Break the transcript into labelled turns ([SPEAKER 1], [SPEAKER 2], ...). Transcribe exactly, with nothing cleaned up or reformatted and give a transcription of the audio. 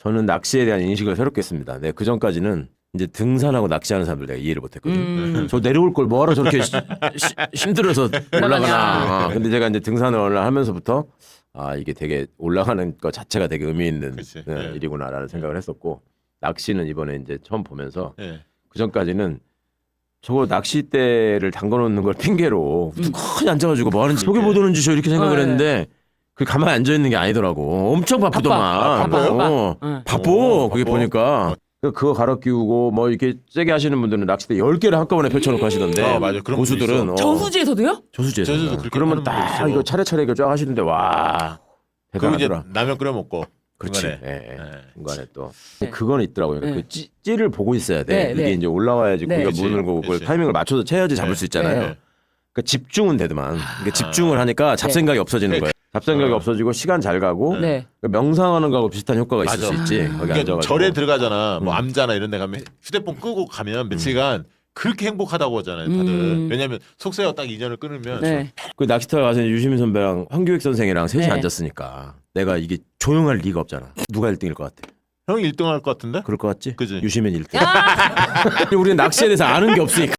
[SPEAKER 1] 저는 낚시에 대한 인식을 새롭게 했습니다. 네, 그 전까지는 이제 등산하고 낚시하는 사람들 내가 이해를 못했거든.
[SPEAKER 2] 음.
[SPEAKER 1] 저 내려올 걸 뭐하러 저렇게 시, 시, 힘들어서 올라가나. 어, 근데 제가 이제 등산을 하면서부터 아 이게 되게 올라가는 것 자체가 되게 의미 있는
[SPEAKER 3] 그치.
[SPEAKER 1] 네,
[SPEAKER 3] 네.
[SPEAKER 1] 일이구나라는 생각을 했었고 낚시는 이번에 이제 처음 보면서
[SPEAKER 3] 네.
[SPEAKER 1] 그 전까지는 저거 낚싯대를 담궈놓는 걸 핑계로 뚜껑이 앉아가지고 뭐 하는지 속여 보도는 주셔 이렇게 생각을
[SPEAKER 2] 네.
[SPEAKER 1] 했는데 그 가만히 앉아 있는 게 아니더라고. 엄청 바쁘더만.
[SPEAKER 2] 바빠.
[SPEAKER 3] 아, 바빠요?
[SPEAKER 1] 어,
[SPEAKER 2] 응.
[SPEAKER 1] 바빠.
[SPEAKER 3] 오,
[SPEAKER 1] 그게
[SPEAKER 3] 바빠.
[SPEAKER 1] 보니까 그거 갈아 끼우고 뭐 이렇게 세게 하시는 분들은 낚싯대 열 개를 한꺼번에 펼쳐놓고 하시던데.
[SPEAKER 3] 아, 맞아. 그런
[SPEAKER 1] 고수들은
[SPEAKER 3] 분도 있어.
[SPEAKER 1] 어,
[SPEAKER 2] 저수지에서도요?
[SPEAKER 1] 저수지에서
[SPEAKER 3] 저수지도 그렇게
[SPEAKER 1] 그러면
[SPEAKER 3] 하는 분도
[SPEAKER 1] 딱
[SPEAKER 3] 있어.
[SPEAKER 1] 이거 차례차례 이거 쫙 하시는데 와
[SPEAKER 3] 그리고 이제
[SPEAKER 1] 대단하더라.
[SPEAKER 3] 라면 끓여 먹고.
[SPEAKER 1] 그렇지.
[SPEAKER 3] 중간에.
[SPEAKER 1] 예, 예.
[SPEAKER 3] 네.
[SPEAKER 1] 중간에 또
[SPEAKER 2] 네.
[SPEAKER 1] 그건 있더라고요.
[SPEAKER 2] 네.
[SPEAKER 1] 그 찌, 찌를 보고 있어야 돼.
[SPEAKER 2] 네,
[SPEAKER 1] 이게
[SPEAKER 2] 네.
[SPEAKER 1] 이제 올라와야지
[SPEAKER 2] 네.
[SPEAKER 1] 고기가
[SPEAKER 3] 그치,
[SPEAKER 1] 문을 거고 그걸
[SPEAKER 3] 그치.
[SPEAKER 1] 타이밍을 맞춰서 채야지 잡을
[SPEAKER 3] 네.
[SPEAKER 1] 수 있잖아요.
[SPEAKER 2] 네.
[SPEAKER 1] 그러니까 집중은 되더만. 그러니까 집중을 하니까 잡생각이 없어지는
[SPEAKER 3] 네.
[SPEAKER 1] 거예요. 잡생각이
[SPEAKER 3] 어.
[SPEAKER 1] 없어지고 시간 잘 가고
[SPEAKER 2] 네.
[SPEAKER 1] 그러니까 명상하는 거하고 비슷한 효과가 있을
[SPEAKER 3] 맞아.
[SPEAKER 1] 수 있지. 거기
[SPEAKER 3] 그러니까
[SPEAKER 1] 앉아가지고.
[SPEAKER 3] 절에 들어가잖아. 뭐
[SPEAKER 1] 음.
[SPEAKER 3] 암자나 이런 데 가면 휴대폰 끄고 가면 며칠간 그렇게 행복하다고 하잖아요, 다들.
[SPEAKER 2] 음.
[SPEAKER 3] 왜냐면 속세와 딱 이전을 끊으면
[SPEAKER 2] 네.
[SPEAKER 1] 그 낚시터 가서 유시민 선배랑 황규익 선생이랑 셋이
[SPEAKER 2] 네.
[SPEAKER 1] 앉았으니까 내가 이게 조용할 리가 없잖아. 누가 일 등일 것 같아?
[SPEAKER 3] 형이 일 등 할 것 같은데?
[SPEAKER 1] 그럴 것 같지?
[SPEAKER 3] 그지?
[SPEAKER 1] 유시민 일 등. 우리는 낚시에 대해서 아는 게 없으니까.